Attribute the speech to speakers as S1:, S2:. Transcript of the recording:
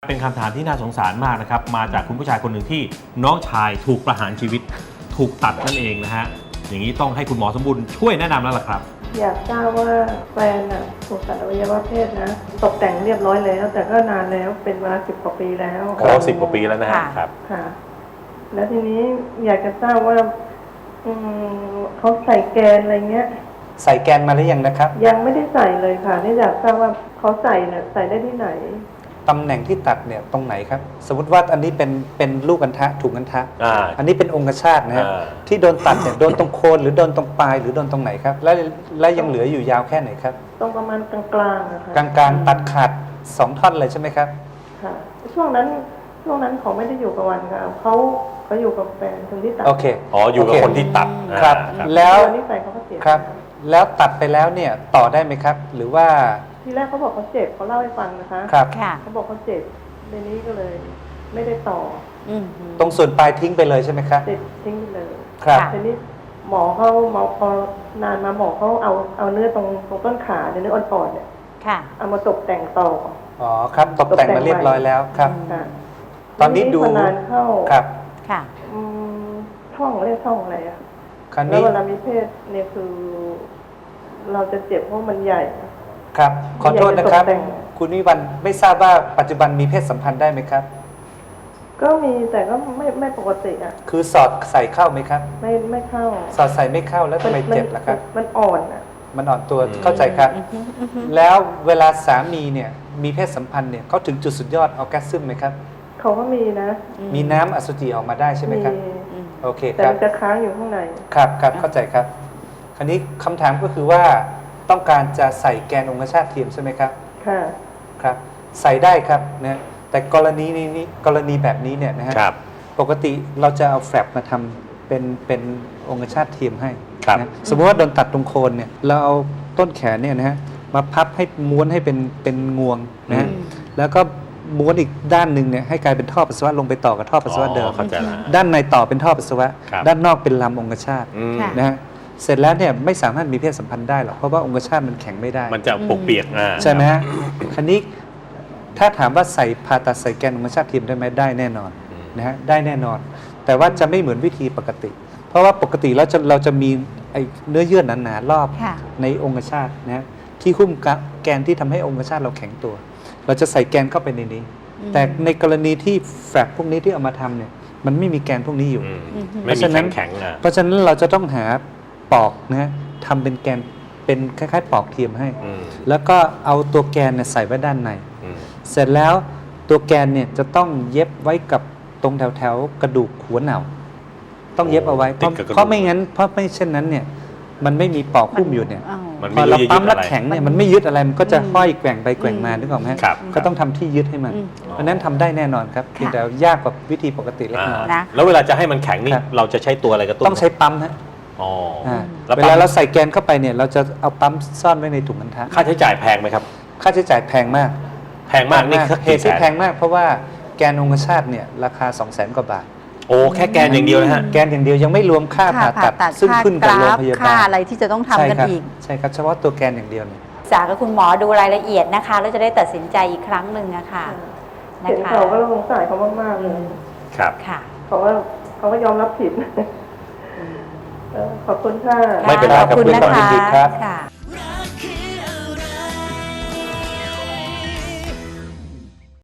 S1: เป็นคำถามที่น่าสงสารมากนะครับมาจากคุณผู้ชายคนหนึ่งที่น้องชายถูกประหารชีวิตถูกตัดนั่นเองนะฮะอย่างนี้ต้องให้คุณหมอสมบูรณ์ช่วยแนะนำแล้วล่ะครับ
S2: อยากทราบว่าแฟนถูกตัดอวัยวะเพศนะตกแต่งเรียบร้อยแล้วแต่ก็นานแล้วเป็นเวลา10 กว่าปีแล้ว
S1: โอ้10 กว่าปีแล้วนะฮะครับ
S2: ค่ะแล้วทีนี้อยากจะทราบว่าเขาใส่แกนอะไรเงี้ย
S3: ใส่แกนมาหรือยังนะครับ
S2: ยังไม่ได้ใส่เลยค่ะนี่อยากทราบว่าเขาใส่เนี่ยใส่ได้ที่ไหน
S3: ตำแหน่งที่ตัดเนี่ยตรงไหนครับสมมติว่าอันนี้เป็นลูกอัณฑะถุงอัณฑะอันนี้เป็นองคชาตนะฮะที่โดนตัดเนี่ยโดนตรงโคนหรือโดนตรงปลายหรือโดนตรงไหนครับและยังเหลืออยู่ยาวแค่ไหนครับ
S2: ตรงประมาณกลางๆนะคะ
S3: กลางๆตัดขาด2 ท่อนเลยใช่ไหมครับ
S2: ค่ะช่วงนั้นเขาไม่ได้อยู่กับวันค่ะเขาอยู่กับแฟนคนที่ตัด
S3: โอเค
S1: อ๋ออยู่กับคนที่ตัด
S3: ครับแล้ว
S2: นี่แฟนเขาก็เสีย
S3: ครับแล้วตัดไปแล้วเนี่ยต่อได้ไหมครับหรือว่า
S2: ทีแรกเขาบอกเขาเจ็บเขาเล่าให้ฟังนะคะ
S3: ครับ
S2: เขาบอกเขาเจ็บในนี้ก็เลยไม่ได้ต่อ
S3: ตรงส่วนปลายทิ้งไปเลยใช่ไหมครับ
S2: ทิ้งไปเลย
S3: ครับ
S2: ทีนี้หมอพอนานมาหมอเขาเอาเนื้อตรงต้นขาเนื้ออ่อนๆเนี่ยเอามาตกแต่งต่อ
S3: อ๋อครับตกแต่งมาเรียบร้อยแล้วครับตอนนี้ดู
S2: นานเข้า
S3: ครับ
S2: ช่องเรียกช่องอะไรอ่ะแล้วเวลามีเพศเนี่ยคือเราจะเจ็บเพราะมันใหญ่
S3: ครับขอโทษนะครับคุณวิวันไม่ทราบว่าปัจจุบันมีเพศสัมพันธ์ได้ไหมครับ
S2: ก็มีแต่ก็ไม่ปกติอ่ะ
S3: คือสอดใส่เข้าไหมครับ
S2: ไม่เข้า
S3: สอดใส่ไม่เข้าแล้วทำไมเจ็บล่ะครับ
S2: มันอ่อนอ่ะ
S3: มันอ่อนตัวเข้าใจครับแล้วเวลาสามีเนี่ยมีเพศสัมพันธ์เนี่ยเขาถึงจุดสุดยอดออร์แกซึมไหมครับ
S2: เขาก็มีนะ
S3: มีน้ำอสุจิออกมาได้ใช่ไหมครับโอเค
S2: ครับแต่มันจะค้างอยู่ข้างใน
S3: ครับเข้าใจครับคราวนี้คำถามก็คือว่าต้องการจะใส่แกนองคชาตเทียมใช่ไหมครับ
S2: ค่ะ
S3: ครับใส่ได้ครับนะแต่กรณีแบบนี้เนี่ยนะฮะปกติเราจะเอาแฟลปมาทำเป็นองคชาตเทียมให้นะสมมติว่าโดนตัดตรงโคนเนี่ยเราเอาต้นแขนเนี่ยนะฮะมาพับให้ม้วนให้เป็นงวงนะแล้วก็ม้วนอีกด้านหนึ่งเนี่ยให้กลายเป็นท่อปัสสาวะลงไปต่อกับท่อปัสสาวะเดิมด้านในต่อเป็นท่อปัสสาวะด้านนอกเป็นลำองคชาตนะฮะเสร็จแล้วเนี่ยไม่สามารถมีเพศสัมพันธ์ได้หรอกเพราะว่าองคชาตมันแข็งไม่ได้
S1: มันจะปกเปียก
S3: ใช่ไหมฮะคราวนี้ถ้าถามว่าใส่ผ่าตัดใส่แกนองคชาตเทียมได้ไหมได้แน่นอนนะฮะได้แน่นอนแต่ว่าจะไม่เหมือนวิธีปกติเพราะว่าปกติแล้วเราจะมีเนื้อเยื่อหนาๆรอบในองคชาตนะที่หุ้มแกนที่ทำให้องคชาตเราแข็งตัวเราจะใส่แกนเข้าไปในนี้แต่ในกรณีที่แฟลปพวกนี้ที่เอามาทำเนี่ยมันไม่มีแกนพวกนี้อยู่
S1: เพราะฉะนั้น
S3: เราจะต้องหาปอกนะทำเป็นแกนเป็นคล้ายๆปอกเทียมให้แล้วก็เอาตัวแกนเนี่ยใส่ไว้ด้านในเสร็จแล้วตัวแกนเนี่ยจะต้องเย็บไว้กับตรงแถวกระดูกหัวเหน่าต้องเย็บเอาไว้เพราะไม่งั้นเพราะไม่เช่นนั้นเนี่ยมันไม่มีปอกหุ้มอยู่เนี่ยพอเราปั๊มแล้วแข็งเนี่ยมันไม่ยึดอะไรมันก็จะห้อยแกว่งไปแกว่งมานึกออกไหมก็ต้องทำที่ยึดให้มันเพราะนั้นทำได้แน่นอนครับเพียงแต่ยากกว่าวิธีปกติเล็กน้อย
S1: แล้วเวลาจะให้มันแข็งนี่เราจะใช้ตัวอะไรกระตุ้น
S3: ต้องใช้ปั๊มฮะเวลาเราใส่แกนเข้าไปเนี่ยเราจะเอาปั๊มซ่อนไว้ในถุงอัณฑะ
S1: ค่าใช้จ่ายแพงไหมครับ
S3: ค่าใช้จ่ายแพงมาก
S1: นี่
S3: เหตุที่แพงมากเพราะว่าแกนองคชาตเนี่ยราคา 200,000 กว่าบาท
S1: โอ้แค่แกนอย่างเดียวนะฮะ
S3: แกนอย่างเดียวยังไม่รวมค่าผ่าตัดซึ่งขึ้นกับโรงพยาบาล
S4: ค่าอะไรที่จะต้องทำกันอีก
S3: ใช่ครับเฉพาะตัวแกนอย่างเดียวเนี่ย
S4: ศึกษากับคุณหมอดูรายละเอียดนะคะแล้วจะได้ตัดสินใจอีกครั้งหนึ่งนะคะ
S2: เห็นเขาก็สงสารเขามากๆเลย
S1: ครับ
S4: ค่ะ
S2: เขาก็ยอมรับผิดขอบคุณค่ะ
S1: ไม่เป็นไรครับ
S4: ขอบคุณนะคะ